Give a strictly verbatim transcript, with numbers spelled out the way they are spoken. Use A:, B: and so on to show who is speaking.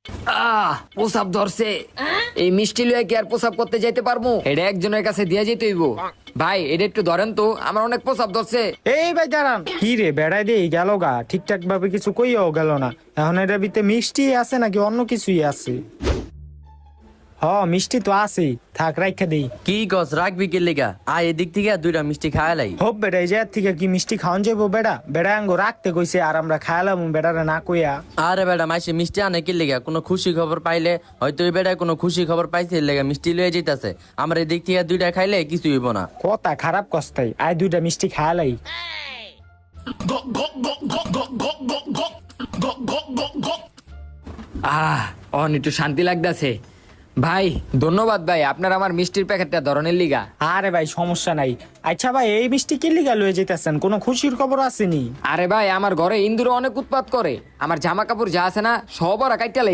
A: আহ প্রসাব ধরছে। এই মিষ্টি লয়ে কি আর প্রসাব করতে যাইতে পারবো? এটা একজনের কাছে দিয়ে যেতে হইব। ভাই এটা একটু ধরেন তো, আমার অনেক প্রসাব ধরছে।
B: এই ভাই দাঁড়ান, কি রে বেড়াই দিয়ে গেল গা, ঠিকঠাক ভাবে কিছু কইয়াও গেল না। এখন এটা ভিতরে মিষ্টি আছে নাকি অন্য কিছুই আছে? হ মিষ্টি তো আছেই, থাক রাখা দেই।
C: কি গছ রাখবি কে লিগা? আয় এদিক থেকে দুইটা মিষ্টি খায়ালাই।
B: হোপ বেড়া, এই জায়গা থেকে কি মিষ্টি খাওয়ান যাবো? বেড়া বেড়া আঙ্গো রাখতে কইছে আর আমরা খায়ালাম বেড়ারে না কইয়া।
C: আরে বেটা মাইসে মিষ্টি আনে কি লিগা? কোনো খুশি খবর পাইলে হয়তো ওই বেটায় কোনো খুশি খবর পাইছে লেগা মিষ্টি লয়ে যেতেছে। আমরা এদিক থেকে দুইটা খাইলে কিছু হইব না।
B: কথা খারাপ কস্তাই, আয় দুইটা মিষ্টি খায়ালাই।
A: আহ অন একটু শান্তি লাগতেছে। ভাই ধন্যবাদ ভাই, আপনার আমার মিষ্টির প্যাকেটটা ধরনের লিগা।
B: আরে ভাই সমস্যা নাই। আচ্ছা ভাই এই মিষ্টি কি লিগা লয়ে যেতেছেন? কোনো খুশির খবর আসেনি?
A: আরে ভাই আমার ঘরে ইন্দুর অনেক উৎপাত করে, আমার জামা কাপড় যা আছে না সব ওরা কাইটা